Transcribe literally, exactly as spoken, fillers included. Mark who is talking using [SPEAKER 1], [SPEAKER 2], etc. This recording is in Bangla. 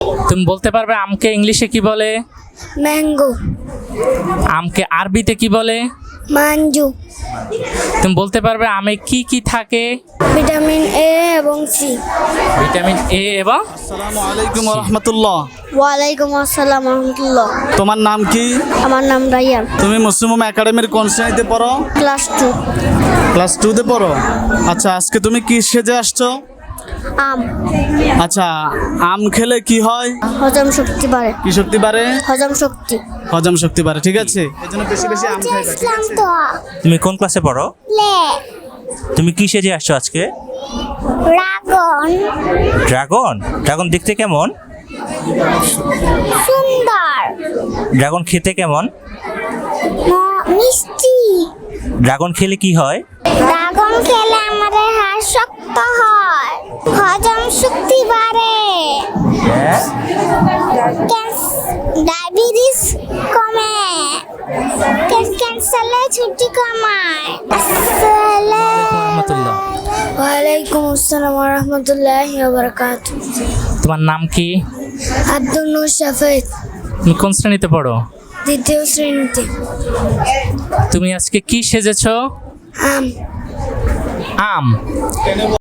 [SPEAKER 1] তুমি বলতে পারবে আমকে ইংলিশে কি বলে?
[SPEAKER 2] ম্যাঙ্গো।
[SPEAKER 1] আমকে আরবিতে কি বলে?
[SPEAKER 2] মাঞ্জু।
[SPEAKER 1] তুমি বলতে পারবে আমে কি কি থাকে?
[SPEAKER 2] ভিটামিন এ এবং সি।
[SPEAKER 1] ভিটামিন এ এবং
[SPEAKER 3] আসসালামু আলাইকুম রহমতুল্লাহ।
[SPEAKER 2] ওয়ালাইকুম আসসালাম রহমতুল্লাহ।
[SPEAKER 3] তোমার নাম কি?
[SPEAKER 2] আমার নাম রাইয়ান।
[SPEAKER 3] তুমি মুসলিম একাডেমির কোন শ্রেণীতে পড়ো?
[SPEAKER 2] Class two.
[SPEAKER 3] ক্লাস টুতে পড়ো। আচ্ছা, আজকে তুমি কি সেজে আসছো?
[SPEAKER 2] আম।
[SPEAKER 3] আচ্ছা, আম খেলে কি হয়?
[SPEAKER 2] হজম শক্তি বাড়ে।
[SPEAKER 3] কি শক্তি বাড়ে?
[SPEAKER 2] হজম শক্তি।
[SPEAKER 3] হজম শক্তি বাড়ে, ঠিক আছে। এই জন্য বেশি বেশি আম খাইবা, ঠিক আছে?
[SPEAKER 4] তুমি কোন ক্লাসে পড়ো?
[SPEAKER 2] লে।
[SPEAKER 4] তুমি কি সেজে আসছো আজকে?
[SPEAKER 2] ড্রাগন।
[SPEAKER 4] ড্রাগন? ড্রাগন দেখতে কেমন?
[SPEAKER 2] সুন্দর।
[SPEAKER 4] ড্রাগন খেতে কেমন?
[SPEAKER 2] মিষ্টি।
[SPEAKER 4] ড্রাগন খেলে কি হয়?
[SPEAKER 2] ড্রাগন খেলে আমাদের হাড় শক্ত হয়, হজম শক্তি বাড়ে, ডায়াবেটিস কমে, ক্যান্সারের ঝুঁকি কমায়।
[SPEAKER 1] রহমতুল্লাহ।
[SPEAKER 2] ওয়ালাইকুম আসসালাম ওয়া রাহমাতুল্লাহি ওয়া বারাকাতুহু।
[SPEAKER 1] তোমার নাম কি?
[SPEAKER 2] আব্দুল নূর শাফেদ।
[SPEAKER 1] তুমি কোন শ্রেণীতে পড়ো?
[SPEAKER 2] দ্বিতীয় শ্রেণীতে।
[SPEAKER 1] তুমি আজকে কি সেজেছো?
[SPEAKER 2] আম।
[SPEAKER 1] আম।